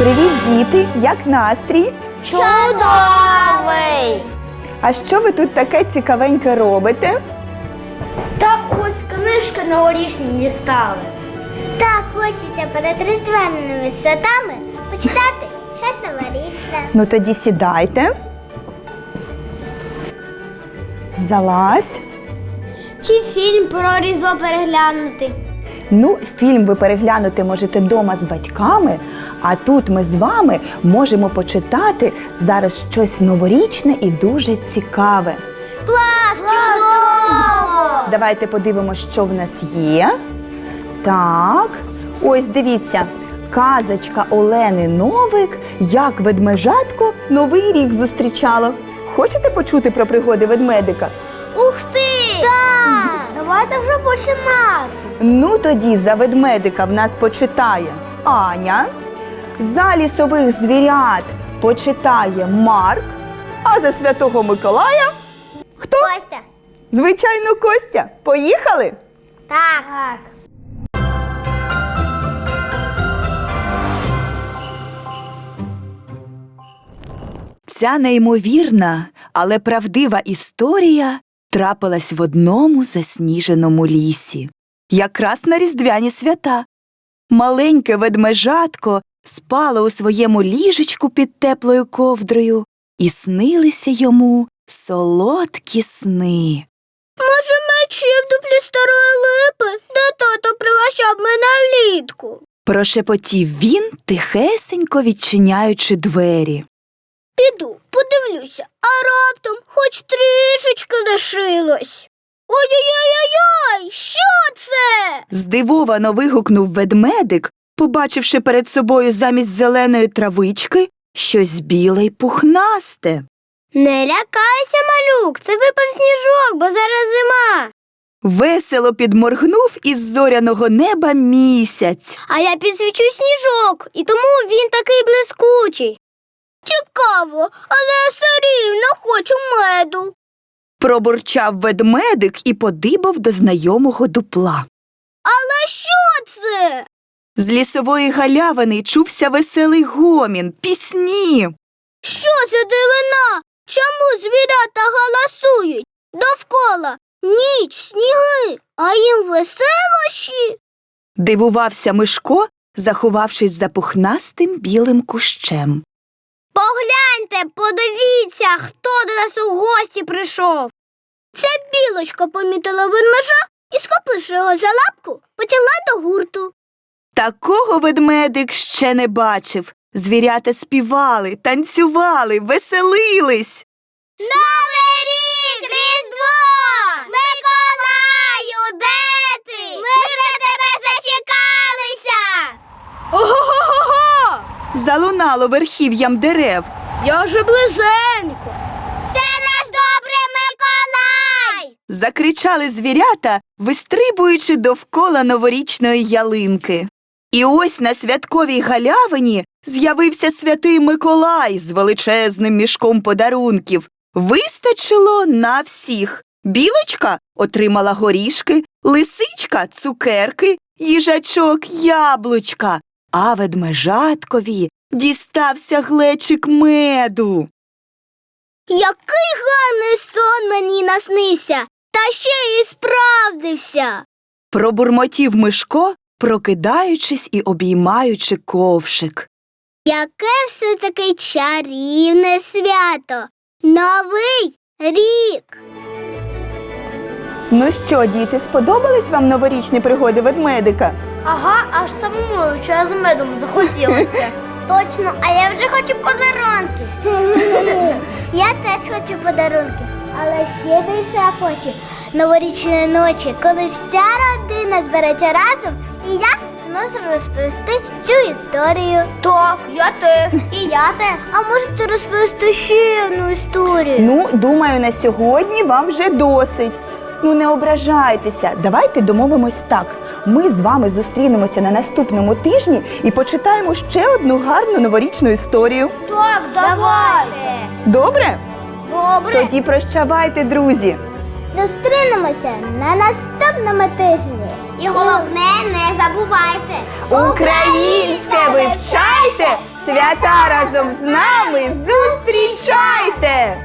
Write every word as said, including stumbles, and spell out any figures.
Привіт, діти! Як настрій? Чудовий! А що ви тут таке цікавеньке робите? Та ось книжки новорічні дістали. Так хочеться перед різдвяними святами почитати щось новорічне. Ну тоді сідайте. Залазь. Чи фільм про Різдво переглянути? Ну, фільм ви переглянути можете вдома з батьками, а тут ми з вами можемо почитати зараз щось новорічне і дуже цікаве. Клас! Чудово! Давайте подивимося, що в нас є. Так, ось дивіться, казочка Олени Новик «Як ведмежатко Новий рік зустрічало». Хочете почути про пригоди ведмедика? Ух ти! Так! Давайте вже починати. Ну тоді за ведмедика в нас почитає Аня, за лісових звірят почитає Марк, а за Святого Миколая хто? Костя. Звичайно, Костя. Поїхали? Так. Так. Ця неймовірна, але правдива історія трапилась в одному засніженому лісі. Якраз на різдвяні свята. Маленьке ведмежатко спало у своєму ліжечку під теплою ковдрою, і снилися йому солодкі сни. Може, мечі в дуплі старої липи, де тато пригощав мене влітку? Прошепотів він, тихесенько відчиняючи двері. Піду, подивлюся, а раптом хоч трішечки лишилось. Ой-ой-ой-ой! Що це? Здивовано вигукнув ведмедик, побачивши перед собою замість зеленої травички щось біле й пухнасте. Не лякайся, малюк, це випав сніжок, бо зараз зима. Весело підморгнув із зоряного неба місяць. А я підсвічу сніжок, і тому він такий блискучий. Цікаво, але я все рівно хочу меду. Пробурчав ведмедик і подибав до знайомого дупла. Але що це? З лісової галявини чувся веселий гомін, пісні. Що за дивина? Чому звірята галасують? Довкола ніч, сніги, а їм веселощі? Дивувався Мишко, заховавшись за пухнастим білим кущем. Погляньте, подивіться, хто до нас у гості прийшов. Ця білочка помітила ведмежа і, схопивши його за лапку, потягла до гурту. Такого ведмедик ще не бачив. Звірята співали, танцювали, веселились. Новий рік, Різдво! Миколаю, де ти? Ми вже тебе зачекалися! Ого-го-го! Залунало верхів'ям дерев. Я вже близенько. Це наш добрий Миколай! Закричали звірята, вистрибуючи довкола новорічної ялинки. І ось на святковій галявині з'явився святий Миколай з величезним мішком подарунків. Вистачило на всіх. Білочка отримала горішки, лисичка – цукерки, їжачок – яблучка, а ведмежаткові дістався глечик меду. Який гарний сон мені наснився, та ще й справдився. Пробурмотів Мишко, прокидаючись і обіймаючи ковшик. Яке все-таки чарівне свято! Новий рік! Ну що, діти, сподобались вам новорічні пригоди ведмедика? Ага, аж самому чаю з медом захотілося. Точно, а я вже хочу подарунки. Я теж хочу подарунки, але ще більше я хочу новорічної ночі, коли вся родина збереться разом і я зможу розповісти цю історію. Так, я теж. І я теж. А можете розповісти ще одну історію? Ну, думаю, на сьогодні вам вже досить. Ну, не ображайтеся. Давайте домовимось так. Ми з вами зустрінемося на наступному тижні і почитаємо ще одну гарну новорічну історію. Так, давайте. Добре? Добре. Тоді прощавайте, друзі. Зустрінемося на наступному тижні. І головне, не забувайте. Українське вивчайте, Свята разом з нами зустрічайте!